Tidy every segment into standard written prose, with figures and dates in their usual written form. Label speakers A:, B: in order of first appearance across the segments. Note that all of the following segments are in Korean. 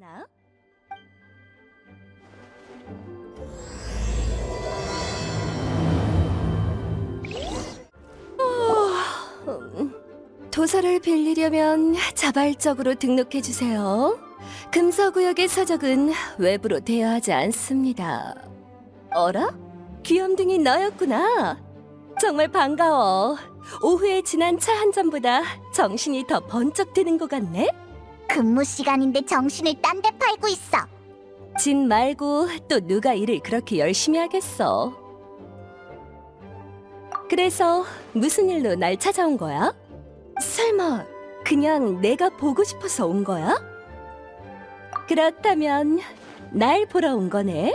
A: 만나. 도서를 빌리려면 자발적으로 등록해주세요. 금서구역의 서적은 외부로 대여하지 않습니다. 어라? 귀염둥이 너였구나. 정말 반가워. 오후에 지난 차 한 잔보다 정신이 더 번쩍 드는 것 같네?
B: 근무 시간인데 정신을 딴 데 팔고 있어.
A: 진 말고 또 누가 일을 그렇게 열심히 하겠어. 그래서 무슨 일로 날 찾아온 거야? 설마 그냥 내가 보고 싶어서 온 거야? 그렇다면 날 보러 온 거네.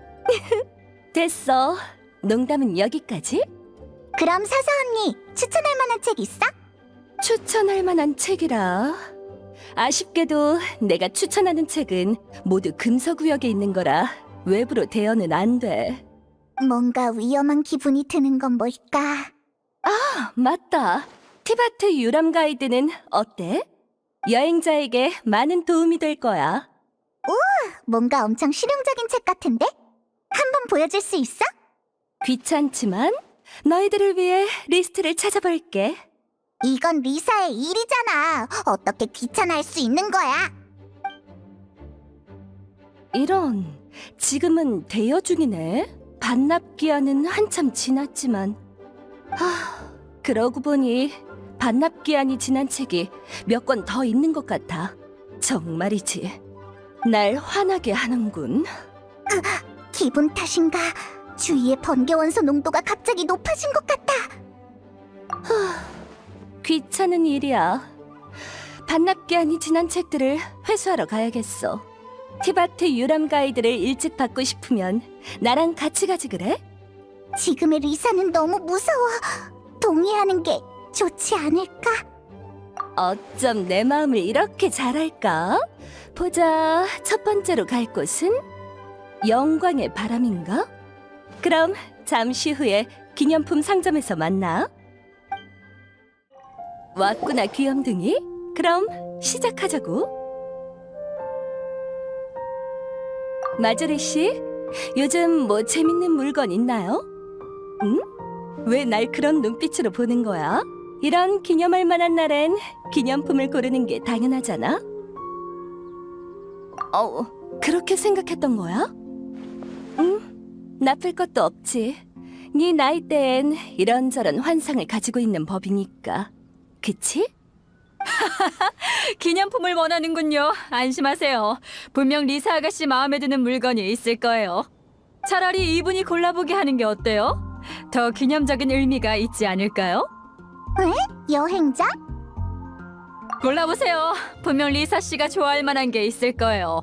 A: 됐어. 농담은 여기까지.
B: 그럼 사사 언니, 추천할 만한 책 있어?
A: 추천할 만한 책이라. 아쉽게도 내가 추천하는 책은 모두 금서구역에 있는 거라 외부로 대여는 안 돼.
B: 뭔가 위험한 기분이 드는 건 뭘까?
A: 맞다. 티바트 유람 가이드는 어때? 여행자에게 많은 도움이 될 거야.
B: 뭔가 엄청 실용적인 책 같은데? 한번 보여줄 수 있어?
A: 귀찮지만 너희들을 위해 리스트를 찾아볼게.
B: 이건 리사의 일이잖아. 어떻게 귀찮아할 수 있는 거야?
A: 이런, 지금은 대여 중이네. 반납 기한은 한참 지났지만. 그러고 보니 반납 기한이 지난 책이 몇 권 더 있는 것 같아. 정말이지. 날 화나게 하는군.
B: 기분 탓인가? 주위의 번개 원소 농도가 갑자기 높아진 것 같다.
A: 귀찮은 일이야. 반납 기한이 지난 책들을 회수하러 가야겠어. 티바트 유람 가이드를 일찍 받고 싶으면 나랑 같이 가지 그래?
B: 지금의 리사는 너무 무서워. 동의하는 게 좋지 않을까?
A: 어쩜 내 마음을 이렇게 잘 알까? 보자, 첫 번째로 갈 곳은 영광의 바람인가? 그럼 잠시 후에 기념품 상점에서 만나. 왔구나, 귀염둥이. 그럼 시작하자고. 마조리 씨, 요즘 뭐 재밌는 물건 있나요? 응? 왜 날 그런 눈빛으로 보는 거야? 이런 기념할 만한 날엔 기념품을 고르는 게 당연하잖아. 그렇게 생각했던 거야? 응, 나쁠 것도 없지. 네 나이대엔 이런저런 환상을 가지고 있는 법이니까. 그치?
C: 기념품을 원하는군요. 안심하세요. 분명 리사 아가씨 마음에 드는 물건이 있을 거예요. 차라리 이분이 골라보게 하는 게 어때요? 더 기념적인 의미가 있지 않을까요?
B: 여행자?
C: 골라보세요. 분명 리사 씨가 좋아할 만한 게 있을 거예요.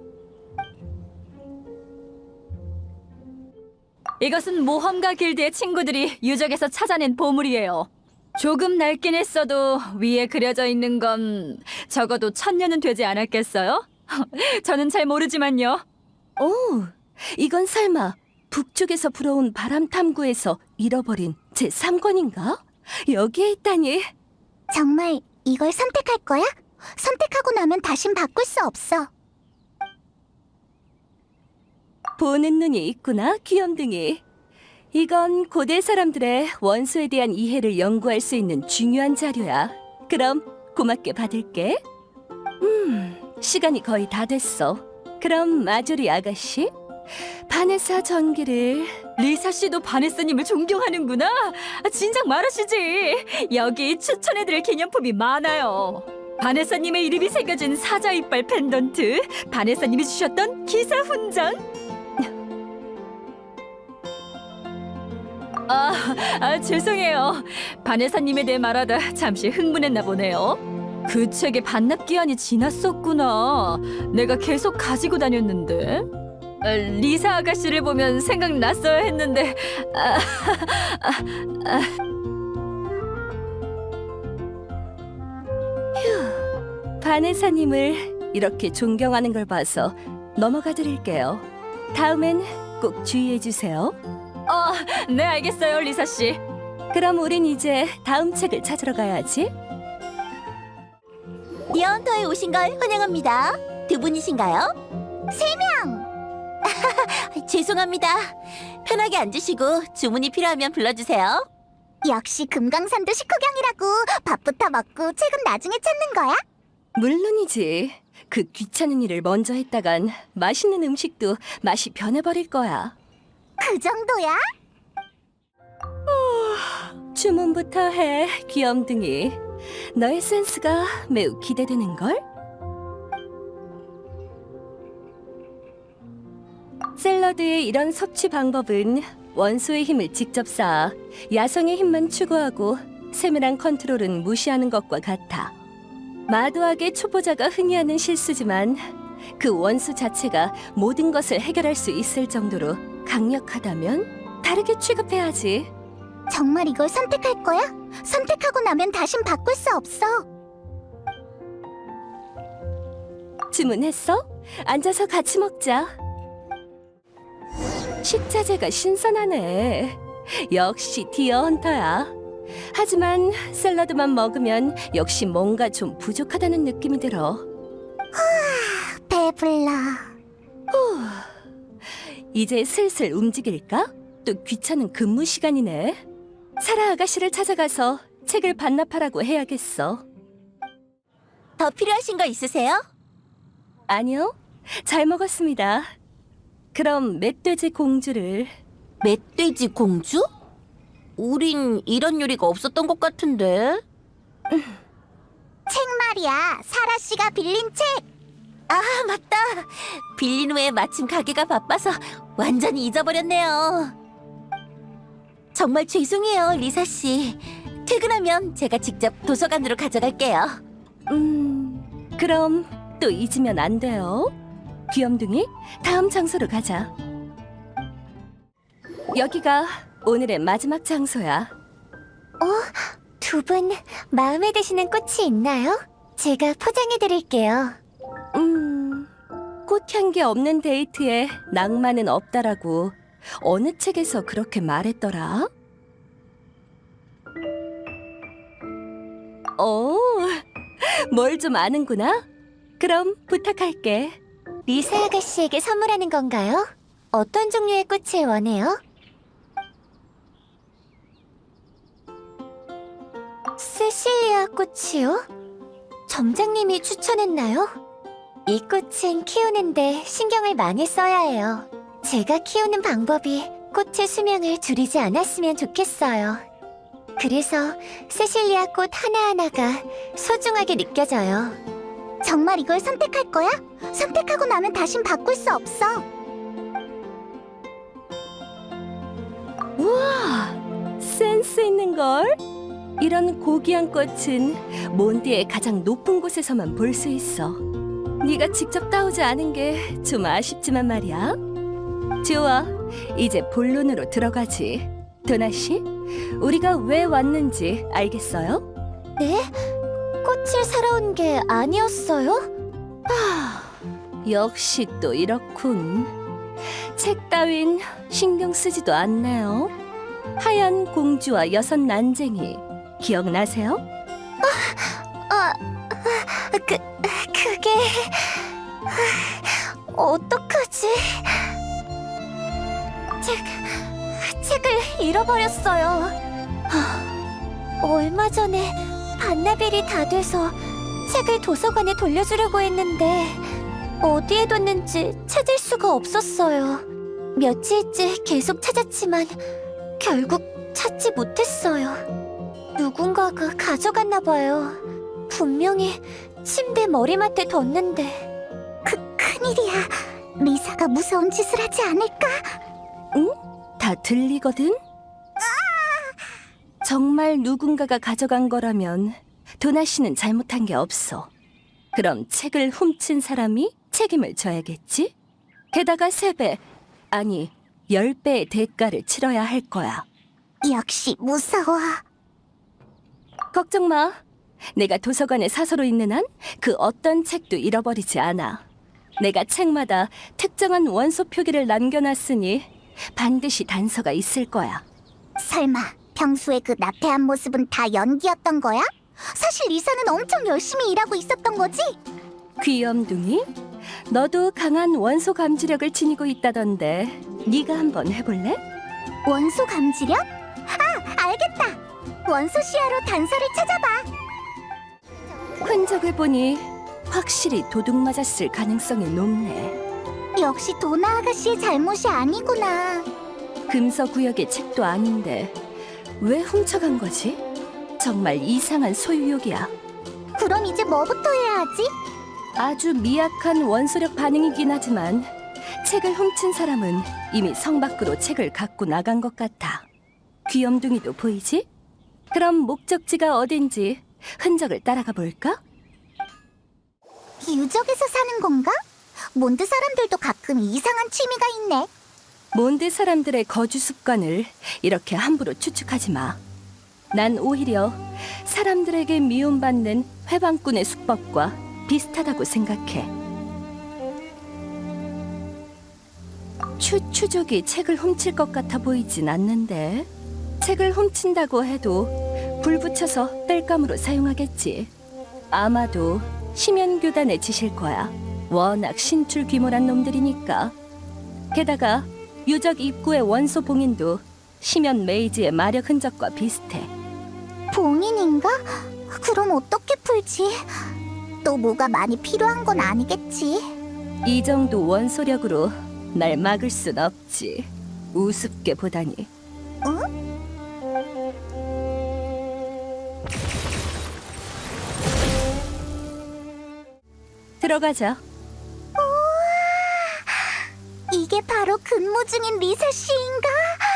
C: 이것은 모험가 길드의 친구들이 유적에서 찾아낸 보물이에요. 조금 낡긴 했어도 위에 그려져 있는 건 적어도 1000년은 되지 않았겠어요? 저는 잘 모르지만요.
A: 오, 이건 설마 북쪽에서 불어온 바람 탐구에서 잃어버린 제3권인가? 여기에 있다니.
B: 정말 이걸 선택할 거야? 선택하고 나면 다신 바꿀 수 없어.
A: 보는 눈이 있구나, 귀염둥이. 이건 고대 사람들의 원소에 대한 이해를 연구할 수 있는 중요한 자료야. 그럼 고맙게 받을게. 시간이 거의 다 됐어. 그럼 마조리 아가씨, 바네사 전기를...
C: 리사 씨도 바네스님을 존경하는구나. 진작 말하시지. 여기 추천해드릴 기념품이 많아요. 바네사님의 이름이 새겨진 사자 이빨 펜던트, 바네사님이 주셨던 기사 훈장. 죄송해요. 바네사님에 대해 말하다 잠시 흥분했나 보네요. 그 책의 반납 기한이 지났었구나. 내가 계속 가지고 다녔는데. 리사 아가씨를 보면 생각났어야 했는데.
A: 바네사님을 이렇게 존경하는 걸 봐서 넘어가 드릴게요. 다음엔 꼭 주의해 주세요.
C: 네, 알겠어요, 리사 씨.
A: 그럼 우린 이제 다음 책을 찾으러 가야지.
B: 리언터에 오신 걸 환영합니다. 두 분이신가요? 3명! 죄송합니다. 편하게 앉으시고 주문이 필요하면 불러주세요. 역시 금강산도 식후경이라고. 밥부터 먹고 책은 나중에 찾는 거야?
A: 물론이지. 그 귀찮은 일을 먼저 했다간 맛있는 음식도 맛이 변해버릴 거야.
B: 그 정도야?
A: 주문부터 해, 귀염둥이. 너의 센스가 매우 기대되는걸? 샐러드의 이런 섭취 방법은 원소의 힘을 직접 쌓아 야성의 힘만 추구하고 세밀한 컨트롤은 무시하는 것과 같아. 마도하게 초보자가 흔히 하는 실수지만 그 원소 자체가 모든 것을 해결할 수 있을 정도로 강력하다면 다르게 취급해야지.
B: 정말 이걸 선택할 거야? 선택하고 나면 다신 바꿀 수 없어.
A: 주문했어? 앉아서 같이 먹자. 식자재가 신선하네. 역시 디어 헌터야. 하지만 샐러드만 먹으면 역시 뭔가 좀 부족하다는 느낌이 들어.
B: 배불러.
A: 이제 슬슬 움직일까? 또 귀찮은 근무 시간이네. 사라 아가씨를 찾아가서 책을 반납하라고 해야겠어.
B: 더 필요하신 거 있으세요?
A: 아니요, 잘 먹었습니다. 그럼 멧돼지 공주를.
B: 멧돼지 공주? 우린 이런 요리가 없었던 것 같은데. 책 말이야. 사라 씨가 빌린 책. 아, 맞다. 빌린 후에 마침 가게가 바빠서 완전히 잊어버렸네요. 정말 죄송해요, 리사 씨. 퇴근하면 제가 직접 도서관으로 가져갈게요.
A: 그럼 또 잊으면 안 돼요. 귀염둥이, 다음 장소로 가자. 여기가 오늘의 마지막 장소야.
B: 두 분 마음에 드시는 꽃이 있나요? 제가 포장해 드릴게요.
A: 꽃향기 없는 데이트에 낭만은 없다라고 어느 책에서 그렇게 말했더라? 뭘 좀 아는구나? 그럼 부탁할게.
B: 리사 아가씨에게 선물하는 건가요? 어떤 종류의 꽃을 원해요? 세실리아 꽃이요? 점장님이 추천했나요? 이 꽃은 키우는데 신경을 많이 써야 해요. 제가 키우는 방법이 꽃의 수명을 줄이지 않았으면 좋겠어요. 그래서 세실리아 꽃 하나하나가 소중하게 느껴져요. 정말 이걸 선택할 거야? 선택하고 나면 다신 바꿀 수 없어.
A: 우와, 센스 있는 걸. 이런 고귀한 꽃은 몬디의 가장 높은 곳에서만 볼 수 있어. 네가 직접 따오지 않은 게 좀 아쉽지만 말이야. 좋아, 이제 본론으로 들어가지. 도나 씨, 우리가 왜 왔는지 알겠어요?
B: 네? 꽃을 사러 온 게 아니었어요?
A: 역시 또 이렇군. 책 따윈 신경 쓰지도 않네요. 하얀 공주와 여섯 난쟁이 기억나세요?
B: 그게... 어떡하지? 책을 잃어버렸어요. 얼마 전에 반납일이 다 돼서 책을 도서관에 돌려주려고 했는데 어디에 뒀는지 찾을 수가 없었어요. 며칠째 계속 찾았지만 결국 찾지 못했어요. 누군가가 가져갔나 봐요. 분명히 침대 머리맡에 뒀는데. 큰일이야. 리사가 무서운 짓을 하지 않을까?
A: 다 들리거든? 정말 누군가가 가져간 거라면 도나 씨는 잘못한 게 없어. 그럼 책을 훔친 사람이 책임을 져야겠지? 게다가 3배, 아니 10배의 대가를 치러야 할 거야.
B: 역시 무서워.
A: 걱정 마. 내가 도서관에 사서로 있는 한 그 어떤 책도 잃어버리지 않아. 내가 책마다 특정한 원소 표기를 남겨놨으니 반드시 단서가 있을 거야.
B: 설마 평소에 그 나태한 모습은 다 연기였던 거야? 사실 리사는 엄청 열심히 일하고 있었던 거지?
A: 귀염둥이, 너도 강한 원소 감지력을 지니고 있다던데 네가 한번 해볼래?
B: 원소 감지력? 아, 알겠다. 원소 시야로 단서를 찾아봐.
A: 흔적을 보니 확실히 도둑 맞았을 가능성이 높네.
B: 역시 도나 아가씨의 잘못이 아니구나.
A: 금서 구역의 책도 아닌데 왜 훔쳐간 거지? 정말 이상한 소유욕이야.
B: 그럼 이제 뭐부터 해야 하지?
A: 아주 미약한 원소력 반응이긴 하지만 책을 훔친 사람은 이미 성 밖으로 책을 갖고 나간 것 같아. 귀염둥이도 보이지? 그럼 목적지가 어딘지 흔적을 따라가 볼까?
B: 유적에서 사는 건가? 몬드 사람들도 가끔 이상한 취미가 있네.
A: 몬드 사람들의 거주 습관을 이렇게 함부로 추측하지 마. 난 오히려 사람들에게 미움받는 회방꾼의 수법과 비슷하다고 생각해. 추족이 책을 훔칠 것 같아 보이진 않는데 책을 훔친다고 해도 불 붙여서 땔감으로 사용하겠지. 아마도 심연교단의 짓일 거야. 워낙 신출귀몰한 놈들이니까. 게다가 유적 입구의 원소 봉인도 심연 메이지의 마력 흔적과 비슷해.
B: 봉인인가? 그럼 어떻게 풀지? 또 뭐가 많이 필요한 건 아니겠지?
A: 이 정도 원소력으로 날 막을 순 없지. 우습게 보다니. 들어가자.
B: 이게 바로 근무 중인 리사 씨인가?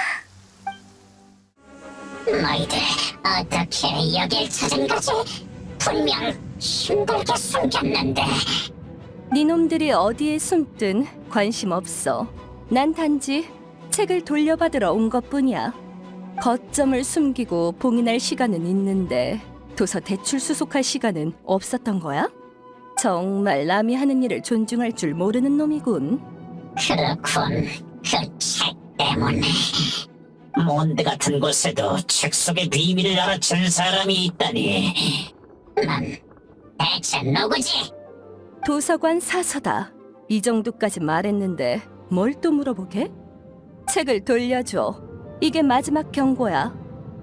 D: 너희들 어떻게 여길 찾은 거지? 분명 힘들게 숨겼는데.
A: 니놈들이 어디에 숨든 관심 없어. 난 단지 책을 돌려받으러 온 것뿐이야. 거점을 숨기고 봉인할 시간은 있는데 도서 대출 수속할 시간은 없었던 거야? 정말 남이 하는 일을 존중할 줄 모르는 놈이군.
D: 그렇군. 그 책 때문에. 몬드 같은 곳에도 책 속의 비밀을 알아챈 사람이 있다니. 넌 대체 누구지?
A: 도서관 사서다. 이 정도까지 말했는데 뭘 또 물어보게? 책을 돌려줘. 이게 마지막 경고야.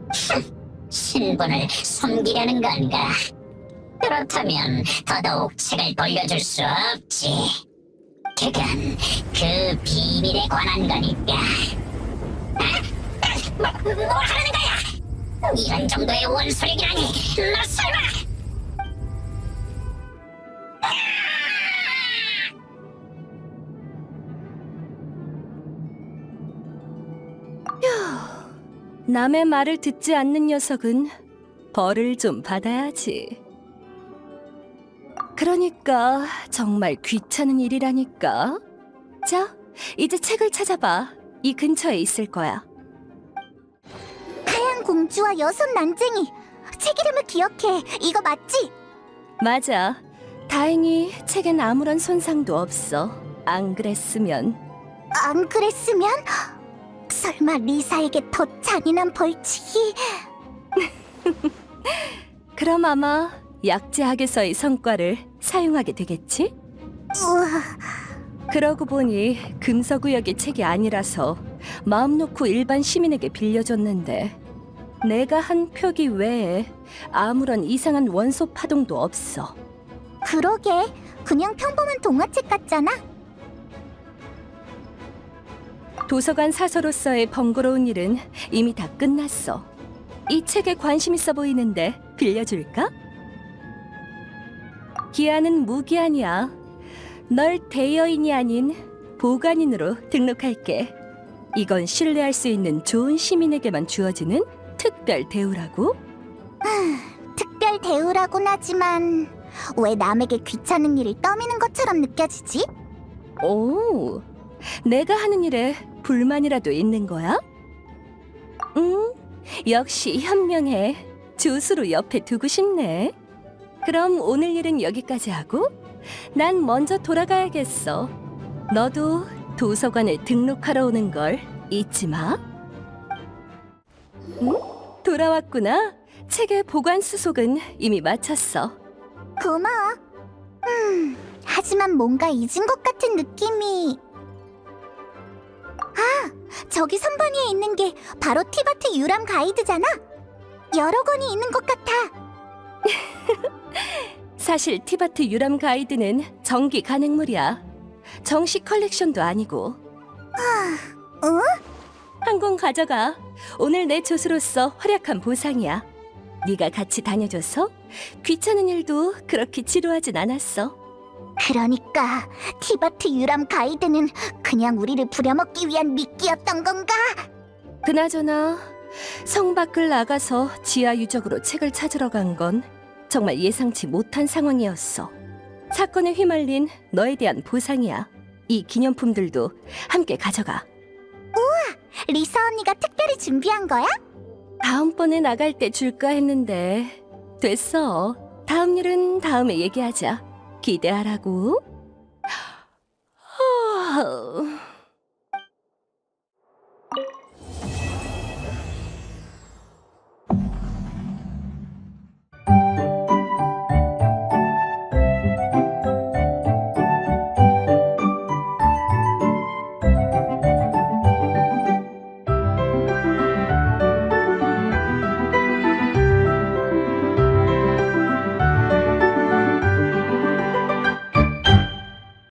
D: 신분을 숨기려는 건가? 그렇다면 더더욱 책을 돌려줄 수 없지. 그건 그 비밀에 관한 거니까. 뭘 하는 거야? 이런 정도의 원소력이라니. 너 설마?
A: 남의 말을 듣지 않는 녀석은 벌을 좀 받아야지. 그러니까 정말 귀찮은 일이라니까. 자, 이제 책을 찾아봐. 이 근처에 있을 거야.
B: 하얀 공주와 여섯 난쟁이. 책 이름을 기억해. 이거 맞지?
A: 맞아. 다행히 책엔 아무런 손상도 없어. 안 그랬으면.
B: 안 그랬으면? 설마 리사에게 더 잔인한 벌칙이?
A: 그럼 아마 약제학에서의 성과를 사용하게 되겠지?
B: 우와,
A: 그러고 보니 금서구역의 책이 아니라서 마음 놓고 일반 시민에게 빌려줬는데 내가 한 표기 외에 아무런 이상한 원소 파동도 없어.
B: 그러게. 그냥 평범한 동화책 같잖아.
A: 도서관 사서로서의 번거로운 일은 이미 다 끝났어. 이 책에 관심 있어 보이는데 빌려줄까? 기한은 무기한이야. 널 대여인이 아닌 보관인으로 등록할게. 이건 신뢰할 수 있는 좋은 시민에게만 주어지는 특별 대우라고.
B: 특별 대우라곤 하지만 왜 남에게 귀찮은 일을 떠미는 것처럼 느껴지지?
A: 오, 내가 하는 일에 불만이라도 있는 거야? 역시 현명해. 조수로 옆에 두고 싶네. 그럼 오늘 일은 여기까지 하고 난 먼저 돌아가야겠어. 너도 도서관에 등록하러 오는 걸 잊지 마. 돌아왔구나. 책의 보관 수속은 이미 마쳤어.
B: 고마워. 하지만 뭔가 잊은 것 같은 느낌이... 아, 저기 선반위에 있는 게 바로 티바트 유람 가이드잖아. 여러 권이 있는 것 같아.
A: 사실 티바트 유람 가이드는 정기 간행물이야. 정식 컬렉션도 아니고.
B: 응?
A: 한 권 가져가. 오늘 내 조수로서 활약한 보상이야. 네가 같이 다녀줘서 귀찮은 일도 그렇게 지루하진 않았어.
B: 그러니까 티바트 유람 가이드는 그냥 우리를 부려먹기 위한 미끼였던 건가?
A: 그나저나 성 밖을 나가서 지하 유적으로 책을 찾으러 간 건 정말 예상치 못한 상황이었어. 사건에 휘말린 너에 대한 보상이야. 이 기념품들도 함께 가져가.
B: 리사 언니가 특별히 준비한 거야?
A: 다음번에 나갈 때 줄까 했는데 됐어. 다음 일은 다음에 얘기하자. 기대하라고.